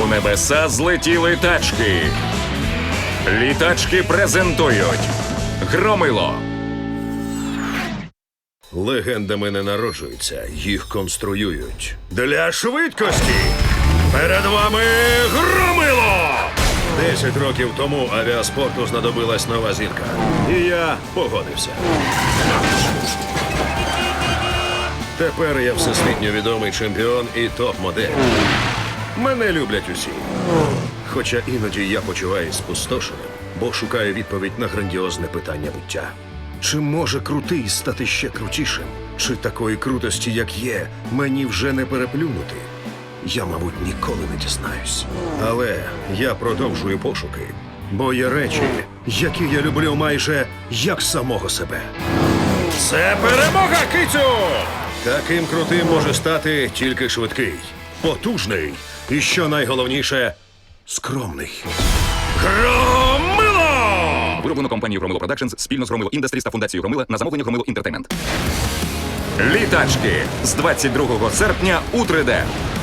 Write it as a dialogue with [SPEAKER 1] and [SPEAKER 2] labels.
[SPEAKER 1] У небеса злетіли тачки. Літачки презентують Громило.
[SPEAKER 2] Легендами не народжуються, їх конструюють. Для швидкості перед вами Громило! 10 років тому авіаспорту знадобилась нова зірка. І я погодився. Тепер я всесвітньо відомий чемпіон і топ-модель. Мене люблять усі. Хоча іноді я почуваюсь спустошеним, бо шукаю відповідь на грандіозне питання буття. Чи може крутий стати ще крутішим? Чи такої крутості, як є, мені вже не переплюнути? Я, мабуть, ніколи не дізнаюсь. Але я продовжую пошуки, бо є речі, які я люблю майже як самого себе. Це перемога, кицю! Таким крутим може стати тільки швидкий, потужний і, що найголовніше, скромний. Громило!
[SPEAKER 1] Вироблено компанією Громило Продакшнс спільно з Громило Індастріс та фундацією Громила на замовлення Громило Інтертеймент. Літачки з 22 серпня у 3D.